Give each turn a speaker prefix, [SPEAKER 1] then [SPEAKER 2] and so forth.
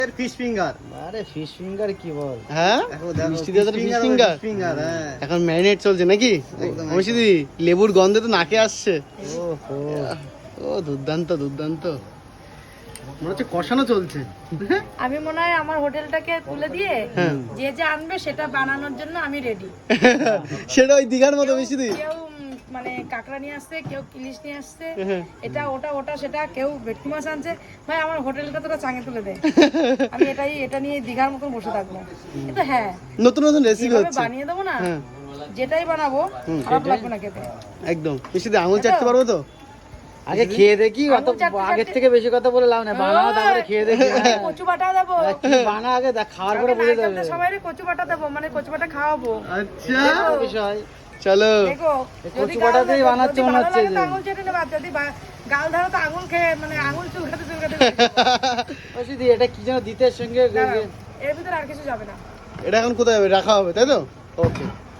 [SPEAKER 1] Fish finger.
[SPEAKER 2] আরে fish finger কি বল?
[SPEAKER 3] হ্যাঁ মিষ্টি দিয়ে ফিশ ফিঙ্গার এখন ম্যারিনেট চলছে নাকি? অবশ্যই দিদি লেবুর গন্ধে তো নাকে আসছে।
[SPEAKER 2] ওহো
[SPEAKER 3] ও দুর্দান্ত দুর্দান্ত, মনে হচ্ছে কষানো চলছে।
[SPEAKER 4] আমি মনে হয় আমার হোটেলটাকে তুলে দিয়ে যে যে আনবে সেটা বানানোর জন্য আমি রেডি।
[SPEAKER 3] সেটা ওই দীঘার মতো বেশি দিই।
[SPEAKER 4] কেউ মানে কাঁকড়া নিয়ে আসছে, কেউ ইলিশ নিয়ে আসছে, এটা ওটা ওটা সেটা, কেউ ভেটকি মাছ আনছে। ভাই আমার হোটেলটা তোরা চাঙে তুলে দে, আমি এটা নিয়ে দীঘার মতন বসে থাকবো। কিন্তু হ্যাঁ
[SPEAKER 3] নতুন নতুন রেসিপি
[SPEAKER 4] যেভাবে
[SPEAKER 3] হচ্ছে।
[SPEAKER 4] বানিয়ে দেবো না, যেটাই বানাবো খারাপ লাগবে না খেতে।
[SPEAKER 3] একদম মিষ্টি দিয়ে আঙুল চাটতে পারবো তো?
[SPEAKER 2] আগে খেয়ে দেখি, অত আগের থেকে বেশি কথা বলে লাভ না, বানাও তারপরে খেয়ে দেখি।
[SPEAKER 4] কচু বাটা দেবো,
[SPEAKER 2] কি বানা আগে দেখ, খাওয়ার পরে বুঝে যাবে।
[SPEAKER 4] সবাই কচু বাটা দেবো, মানে কচু বাটা খাওয়াবো।
[SPEAKER 3] আচ্ছা
[SPEAKER 2] বিষয়
[SPEAKER 3] চলো।
[SPEAKER 4] দেখো
[SPEAKER 2] কচু বাটাতেই বানাচ্ছে মনে হচ্ছে যে।
[SPEAKER 4] আঙুল চেটে নেবা, যদি গাল ধরো তো আঙুল খেয়ে মানে আঙুল চুলকাতে চুলকাতে।
[SPEAKER 2] বলছি দি এটা কি যেন দিতে সঙ্গে
[SPEAKER 4] এর ভিতরে আর কিছু যাবে না।
[SPEAKER 3] এটা এখন কোথায় রাখা হবে তাই তো? ওকে।